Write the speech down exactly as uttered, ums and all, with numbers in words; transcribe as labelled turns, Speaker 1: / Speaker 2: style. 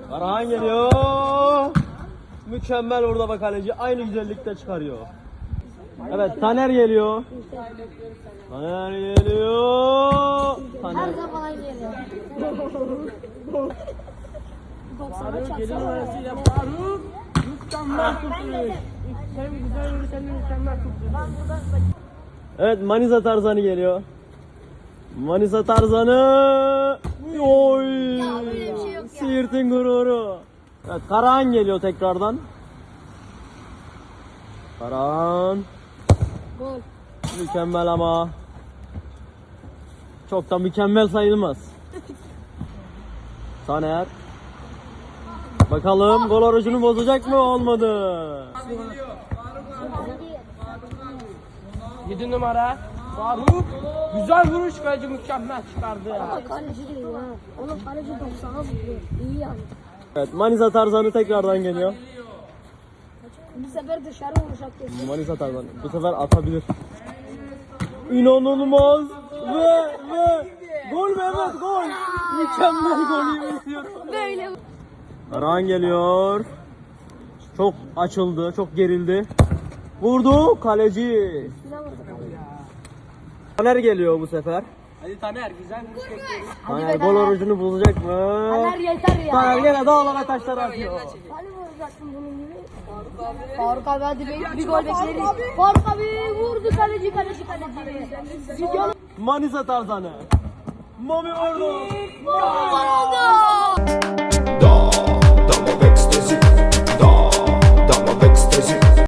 Speaker 1: Karahan geliyor. Mükemmel orada bak kaleci. Aynı güzellikte çıkarıyor. Evet Taner geliyor. Taner geliyor. Taner.
Speaker 2: Her zaman geliyor.
Speaker 3: Faruk geliyor arasıyla Faruk. Mükemmel kurtuluş. Sen güzel vurursan mükemmel kurtuluş.
Speaker 1: Evet Manisa Tarzanı geliyor. Manisa Tarzanı. Oy.
Speaker 2: böyle bir şey yok ya.
Speaker 1: Siirt'in gururu. Evet Karahan geliyor tekrardan. Karahan.
Speaker 2: Gol.
Speaker 1: Mükemmel ama. Çok da mükemmel sayılmaz. Taner. Bakalım gol orucunu bozacak mı? Olmadı.
Speaker 3: yedi numara Faruk. Güzel vuruş, kaleci mükemmel çıkardı ya.
Speaker 2: Ama kaleci değil ha. Onun kaleci doksana zıplıyor. İyi yani.
Speaker 1: Evet Manisa Tarzanı tekrardan geliyor.
Speaker 2: Bu sefer dışarı vuracak kesin.
Speaker 1: Manisa Tarzanı bu sefer atabilir. İnanılmaz ve ve gol mü? Evet gol. Mükemmel gol izliyorum.
Speaker 2: Böyle.
Speaker 1: Karahan geliyor. Çok açıldı, çok gerildi. Vurdu kaleci.
Speaker 2: Üstüne vurdu.
Speaker 1: Taner geliyor bu sefer.
Speaker 3: Hadi Taner, güzel vuruş bekliyoruz.
Speaker 1: Taner gol orucunu bozacak mı?
Speaker 2: Taner yeter ya.
Speaker 1: Taner gene dağlara taşlara atıyor.
Speaker 2: Hani vuracaksın bunun gibi? Faruk abi hadi bir, bir gol bekleriz. Faruk abi vurdu kaleci kaleci kaleci.
Speaker 1: Manisa Tarzanı. Mami vurdu.
Speaker 2: Gol oldu.